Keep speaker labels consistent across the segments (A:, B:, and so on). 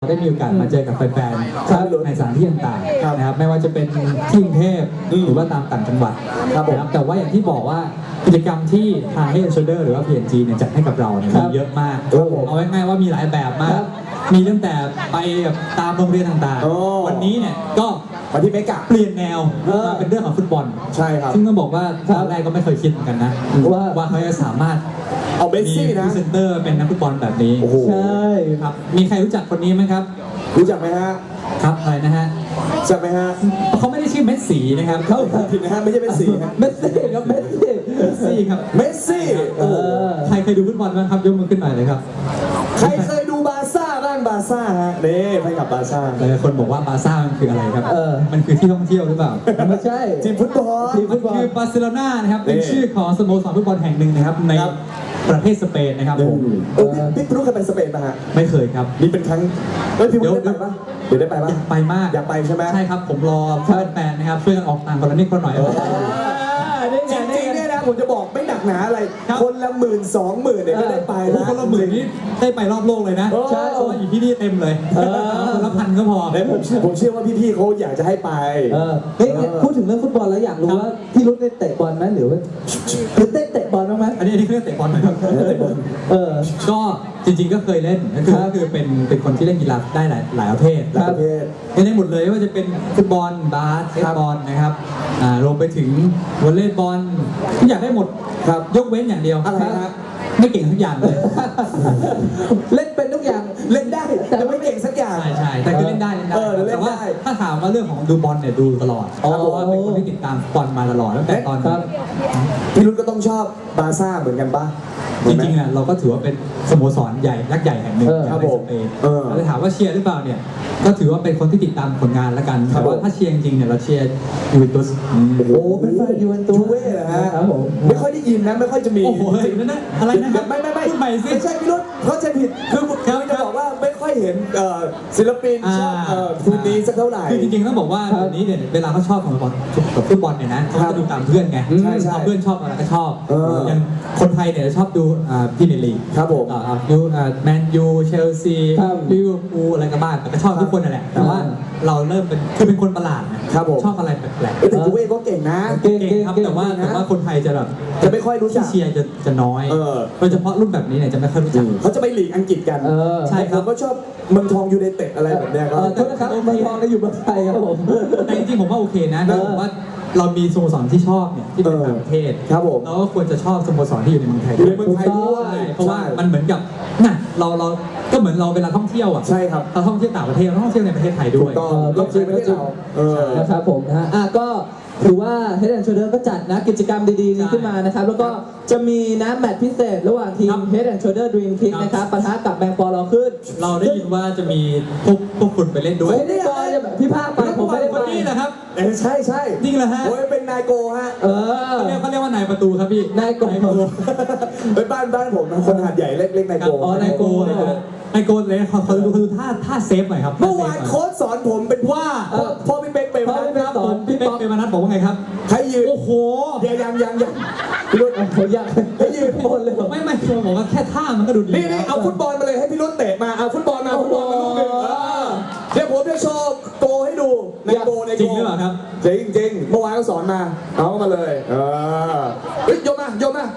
A: ได้มีโอกาสมาเจอกับแฟนๆในสถานที่ต่างๆนะครับไม่ว่าจะเป็นที่กรุงเทพหรือว่าตามต่างจังหวัดนะครับแต่ว่าอย่างที่บอกว่ากิจกรรมที่ทาง Head & Shoulder หรือว่า P&G เนี่ยจัดให้กับเราเนี่ยมีเยอะมากเอาง่ายๆว่ามีหลายแบบมากมีตั้งแต่ไปแบบตามโรงเรียนต่างๆวันนี้เนี่ยก็
B: วันที่เมกะ
A: เปลี่ยนแนวมาเป็นเรื่องของฟุตบอล
B: ใช่ครับ
A: ซึ่งต้องบอกว่าตอนแรกก็ไม่เคยคิดเหมือนกันนะว่าเขาจะสามารถ
B: เอาเมสซี่นะ
A: พรีเซนเตอร์เป็นนักฟุตบอลแบบนี้
B: ใช่
A: ครับมีใครรู้จักคนนี้ไหมครับ
B: รู้จักไหมฮะ
A: ครับอะไรนะฮะ
B: จักไหมฮะ
A: เขาไม่ได้ชื่อเมสซี่นะครับ
B: เขาผิดนะฮะไม่ใช่เมสซี่ฮะ
A: เมสซี่ครับเมสซี่ครับ
B: เมสซี่
A: ใครเคยดูฟุตบอลบ้างครับยกมือขึ้นหน่อยเลยครับ
B: ใครเคยดูบาร์ซ่าบ้างบาร์ซ่าฮะนี่ไปกับบาร์ซ่า
A: หลายคนบอกว่าบาร์ซ่ามันคืออะไรครับมันคือที่ท่องเที่ยวหรือเปล่า
B: ไม่ใช่ทีมฟุตบอล
A: มันคือบาร์เซโลนานะครับเป็นชื่อของสโมสรฟุตบอลแห่งหนึ่งนะครับในประเทศสเปนนะครับผม
B: พี่รู้เคยไปสเปนป่ะฮะ
A: ไม่เคยครับ
B: นี่เป็นครั้งพี่ได้ไปป่ะเดี๋ยวได้ไปป่ะ
A: อยากไปมาก
B: อยากไปใช่ไหม
A: ใช่ครับผมรอเพื่อนแฟนนะครับช่วยกันออกต่างคนละนิดคนหน่อย
B: จริงๆเนี่ยนะผมจะบอกไม่หนักหนาอะไรคนละ10,000-20,000เนี่ยก็ได้ไปนะ
A: คนละหมื่นนี่ได้ไปรอบโลกเลยนะใช่อยู่ที่นี่เต็มเลยคนละ1,000ก็พอ
B: ผมเชื่อว่าพี่ๆเขาอยากจะให้ไป
C: พูดถึงเรื่องฟุตบอลแล้วอยากรู้ว่าพี่รุ่นได้เตะบอลไหมหรือว่าเตะบอลบ้างไหม
A: อันนี้เรื่องเตะบอลไหมครับก็จริงๆก็เคยเล่นก็คือเป็นคนที่เล่นกีฬาได้หลายประเภทได้หมดเลยว่าจะเป็นฟุตบอลบาสเกตบอลนะครับรวมไปถึงวอลเลย์บอลทุกอย่างได้หมดครับยกเว้นอย่างเดียวไม่เก่งทุกอย่างเลย
C: เล่นเป็นทุกอย่าง
B: เล่นได้แต่ไม่เก่งสักอย่าง
A: ใช่แต่คือเล่นได้แต่ว่าถ้าถามว่าเรื่องของดูบอลเนี่ยดูตลอดเพราะว่าเป็นคนที่ติดตามบอลมาตลอดตั้งแต่ตอน
B: พี่รุ่นก็ต้องชอบบาร์ซ่าเหมือนกันป่ะ
A: จริงๆเราก็ถือว่าเป็นสโมสรใหญ่ยักษ์ใหญ่แห่งหนึ่งในสเปนแต่ถามว่าเชียร์หรือเปล่าเนี่ยก็ถือว่าเป็นคนที่ติดตามผลงานแล้วกันแต่ว่าถ้าเชียร์จริงๆเนี่ยเราเชียร์ยูเวนตุส
B: โอ้เป็นแฟนยูเวนตุสเหรอฮะไม่ค่อยได้ยินนะไม่ค่อยจะมี
A: โอ้โหนั่นอะไรนะครับ
B: ไม่
A: พูดใหม่สิ
B: ไม่ใช่พี่รุ่นเขาใจผิดคือจะบอกว่าไม่ค่อยเห็นศิลปินชอบทีมนี้สักเท่าไหร่
A: คือจริงๆต้องบอกว่าแบบนี้เนี่ยเวลาเขาชอบของฟุตบอลเนี่ยนะเขาจะดูตามเพื่อนไงเพื่อนชอบอะไรก็ชอบอย่างคนไทยเนี่ยชอบดูพรีเมียร์ลีก
B: ครับผม
A: ดูแมนยูเชลซีลิเวอร์พูลอะไรก็บ้างแต่ก็ชอบทุกคนนั่นแหละแต่ว่าเราเริ่มเป็นคนประหลาดนะชอบอะไรแปลก
B: ๆแต่กูเองก็เก่งนะ
A: เก่งครับแต่ว่าคนไทยจะแบบ
B: จะไม่ค่อยรู้จัก
A: เชียร์จะน้อยโดยเฉพาะรุ่นแบบนี้เนี่ยจะไม่ค่อยรู้จัก
B: เขาจะไปลีกอังกฤษกัน
A: ใช่ครับ
B: ก็ชอบเมืองทองยูไนเต็ดอะไรแบบนี้ครับ
C: โทษนะครับเมืองทองก็อยู่เมืองไทยครับผม
A: แต่จริงๆผมว่าโอเคนะผมว่าเรามีสโมสรที่ชอบเนี่ยที่เป็นต่างประเทศ
B: ครับผม
A: เราก็ควรจะชอบสโมสรที่อยู่ในเมืองไทย
B: ด้วย
A: เพราะว่ามันเหมือนกับน่ะเราก็เหมือนเราเวลาท่องเที่ยวอ่ะ
B: ใช่ครับ
A: เราท่องเที่ยวต่างประเทศเราท่องเที่ยวในประเทศไทยด้วย
B: ก็คือประเทศเรา
C: นะครับผมนะฮะก็ถือว่า Head & Shoulder ก็จัดนะกิจกรรมดีๆนี้ขึ้นมานะครับแล้วก็จะมีนะแมตช์พิเศษระหว่างทีม Head & Shoulder Dream Kick นะครับปะทะกับแบงค์ปอลขึ้น
A: เราได้ยินว่าจะมีพวกคุณไปเล่นด้วย
C: พี่ภาคไปผมไม่ได้ไป
A: นี่นะครับ
B: ใช่
A: จริงเหรอฮะ
B: โอ้ยเป็นนายโกฮะ
A: เขาเรียกว่านายประตูครับพี่
C: นายโก
B: เป็นบ้านผมคนหาดใหญ่เล็กนายโก
A: นายโกเลยเขาดูท่าเซฟหน่อยครับ
B: เมื่อวานโค้ชสอนผมเป็นว่าพ่อพี่เป๊กเป็น
A: ครับผมพี่เป๊กเป็นมานัดบอกว่าไงครับ
B: ใครยืน
A: โอ้โห
B: ยังพี่รุ่น
C: ยัง
B: ให้ยืน
C: บอลเลย
A: ไม่บอกว่าแค่ท่ามันก็ดุ
B: นี่เอาฟุตบอลมาเลยให้พี่รุ่นเตะมาเอาฟุตบอลมาลูกหนึ่งเดี๋ยวผมจะโชว์โกให้ดูในโก
A: จริงหรือเปล่าครับ
B: จริงเมื่อวานเขาสอนมาเอามาเลยโยมมา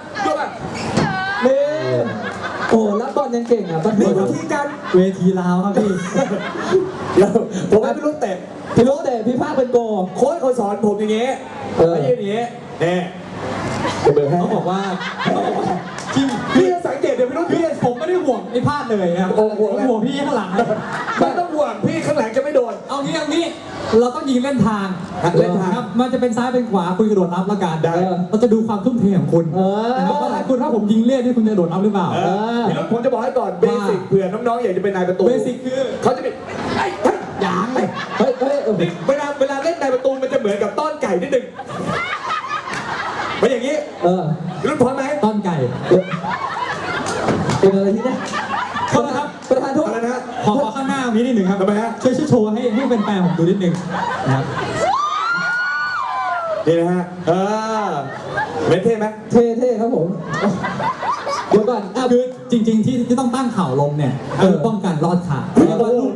C: นี่โอ้รับบอลยังเก่งอ่ะ
B: นี่วิธีการ
A: เวทีลาวครับพี่
B: ผมให้พี่รุ่นเตะ
C: พี่ภาคเป็นโก
B: โค้ชเขาสอนผมอย่างเงี้ยไม่ยืนอย่างเงี้ยเนี่ย
A: เขาบอกว่า
B: พี่สังเกตเดี๋ยวพี่รุ่นพี่
A: ผมไม่ได้ห่วงไอ้พลาดเลยครับห่วงพี่ข้างหลัง
B: ไม่ต้องห่วงพี่ข้างหลังจะไม่โดน
A: เอางี้เราต้องยิงเล่นทางครับมันจะเป็นซ้ายเป็นขวาคุณกระโดดรับละกันเราจะดูความทุ่มเทของคุณนะครับว่าคุณถ้าผมยิงเล่นนี่คุณจะโดดรับหรือเปล่า
B: พี่รุ่นผมจะบอกให้ก่อนเบสิกเผื่อน้องๆอยากจะเป็นนายประตู
A: เบสิกคือ
B: เขาจะมี
A: อย่าง
B: เวลาเล่นนายประตูมันจะเหมือนกับต้อนไก่นิดนึงมาอย่างนี้รุ่นพร้อมไหม
A: ต้อนไก่
C: เป็นอะไรที่นี่
A: ขอครับ
C: ประธานโทษ
A: นะขอข้างหน้ามีนิดหนึ่งครับ
B: ทำไมฮะ
A: ช่วยโชว์ให้เป็นแฟนผมดูนิดหนึ่งนะครับ
B: นี่นะฮะเท่ไหม
C: เท่ครับผม
A: เดี๋ยวก่อนคือจริงๆที่ต้องตั้งเข่าลงเนี่ยคือป้องกันรอดขาเพราะว่าลูก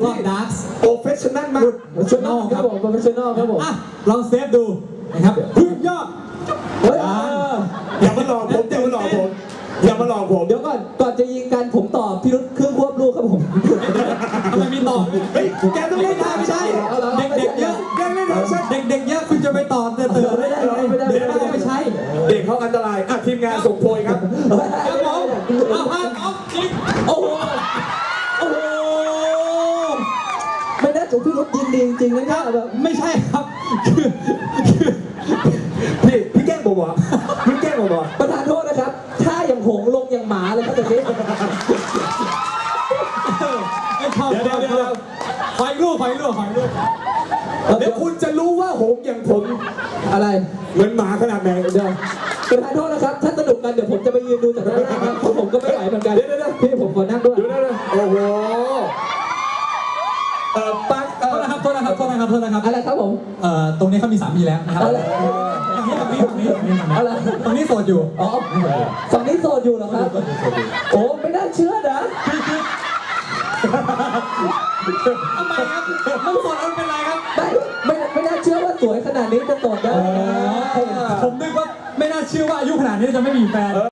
A: รุษ
C: โปรเฟชชั่นอลครับผมโปรเฟชชั่นอลครับผม
A: อ่ะลองเซฟดูนะครับพึ่งยอด
C: เฮ้ย
B: อย่ามาหลอกผมอย่ามาหลอกผมอย่ามาหลอกผม
C: เดี๋ยวก่อนจะยิงกันผมตอบพี่รุธเครื่องควบลูกครับผม
A: ทำไมมีต่อ
B: เฮ้ยแกต้องเล่นได้ไม่ใช่
A: เด็กๆเยอะ
B: ยังเล่นได้ใช่
A: เด็กๆเยอะคุณจะไปต่อเตือนไม่ได้เลยเดี๋ยวเอาไปใช้
B: เด็กเขาอันตรายทีมงานส่งโพยครับ
A: ครับผมเอาห้ามออฟจริง
C: โอ้โหโอ้โหไม่น่าจะพี่รุธยิงดีจริงๆนะเนี่ยแบบ
A: ไม่ใช่ครับคือ
B: พี่แกล้งผมเหรอพี่แกล้งผมเหรอ
C: ประธานโทษนะครับ ถ้าอย่างหงลงอย่างหมาเลยครับแบบนี้
A: ไอ้ชอบ
B: เดี๋ยว
A: ไฟลูก
B: เดี๋ยวคุณจะรู้ว่าหงอย่างผม
C: อะไร
B: เหมือนหมาขนาดไหน
C: เดี๋ยวประธานโทษนะครับ ถ้าสนุกกันเดี๋ยวผมจะไปยืนดูจากด้านล่างครับเพราะผมก็ไม่ไหวเหมือนกัน
B: เดี๋ยว
C: พี่ผมขอนั่งด้วย
B: ดูนะโอ้โหปัง
A: โทษนะครับ
C: อะไรครับผม
A: ตรงนี้เขามีสามีแล้วนะครับ
C: อะไร
A: ตรงนี้โสดอยู่
C: อ๋อฝั่งนี้โสดอยู่เหรอครับโอ้ไม่น่าเชื่อนะ
A: ทำไมครับมันโสดแล้วเป็นไรครับ
C: ไม่น่าเชื่อว่าสวยขนาดนี้จะโสดได้
A: ผมนึกว่าไม่น่าเชื่อว่าอายุขนาดนี้จะไม่มีแฟน